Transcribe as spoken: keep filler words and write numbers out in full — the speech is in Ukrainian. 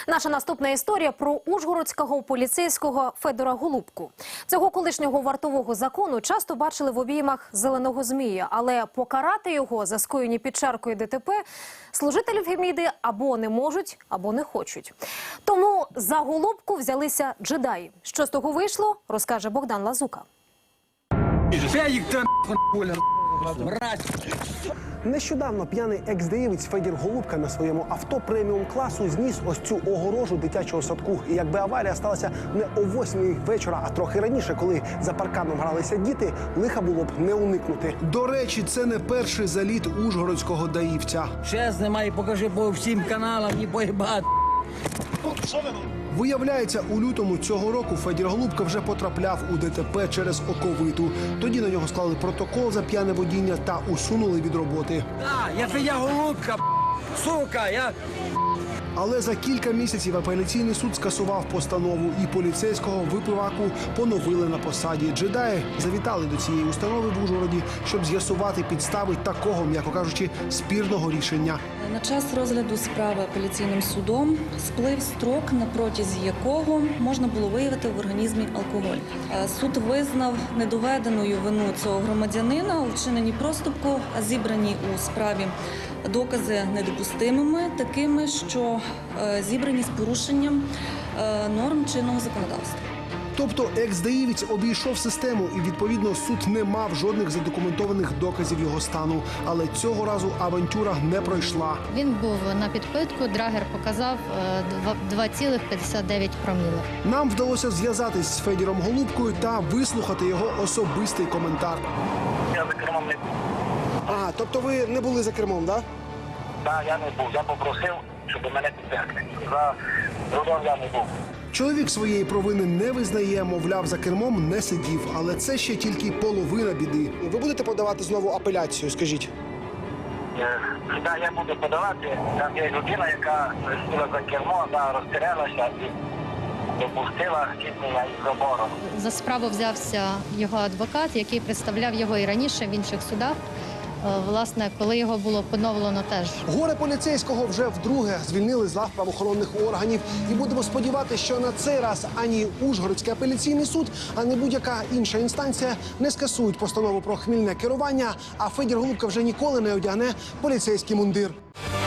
Наша наступна історія про ужгородського поліцейського Федора Голубку. Цього колишнього вартового закону часто бачили в обіймах зеленого змія, але покарати його за скоєні під чаркою ДТП служителі Феміди або не можуть, або не хочуть. Тому за Голубку взялися джедаї. Що з того вийшло, розкаже Богдан Лазука. Нещодавно п'яний екс-деєвець Федір Голубка на своєму авто преміум-класу зніс ось цю огорожу дитячого садку. І якби аварія сталася не о восьмій вечора, а трохи раніше, коли за парканом гралися діти, лиха було б не уникнути. До речі, це не перший заліт ужгородського даївця. Ще знімай, покажи по всім каналам і поїбати. Виявляється, у лютому цього року Федір Голубка вже потрапляв у ДТП через оковиту. Тоді на нього склали протокол за п'яне водіння та усунули від роботи. Так, я Федя Голубка, сука, я... Але за кілька місяців апеляційний суд скасував постанову, і поліцейського випиваку поновили на посаді. Джедаї завітали до цієї установи в Ужгороді, щоб з'ясувати підстави такого, м'яко кажучи, спірного рішення. На час розгляду справи апеляційним судом сплив строк, на протязі якого можна було виявити в організмі алкоголь. Суд визнав недоведеною вину цього громадянина у вчиненні проступку, а зібрані у справі докази недопустимими, такими, що зібрані з порушенням норм чинного законодавства. Тобто екс-даївець обійшов систему, і, відповідно, суд не мав жодних задокументованих доказів його стану. Але цього разу авантюра не пройшла. Він був на підпитку, драгер показав два цілих п'ятдесят дев'ять промілів. Нам вдалося зв'язатись з Федіром Голубкою та вислухати його особистий коментар. Я за кермом не був. А, тобто ви не були за кермом, так? Так, я не був. Я попросив, щоб мене підтягли. За рулем я не був. Чоловік своєї провини не визнає, мовляв, за кермом не сидів. Але це ще тільки половина біди. Ви будете подавати знову апеляцію, скажіть? Так, я буду подавати. Там є людина, яка сіла за кермо, вона розтерялася і допустила зіткнення із забором. За справу взявся його адвокат, який представляв його і раніше в інших судах. Власне, коли його було поновлено теж. Горе поліцейського вже вдруге звільнили з лав правоохоронних органів. І будемо сподіватися, що на цей раз ані Ужгородський апеляційний суд, ані будь-яка інша інстанція не скасують постанову про хмільне керування, а Федір Голубка вже ніколи не одягне поліцейський мундир.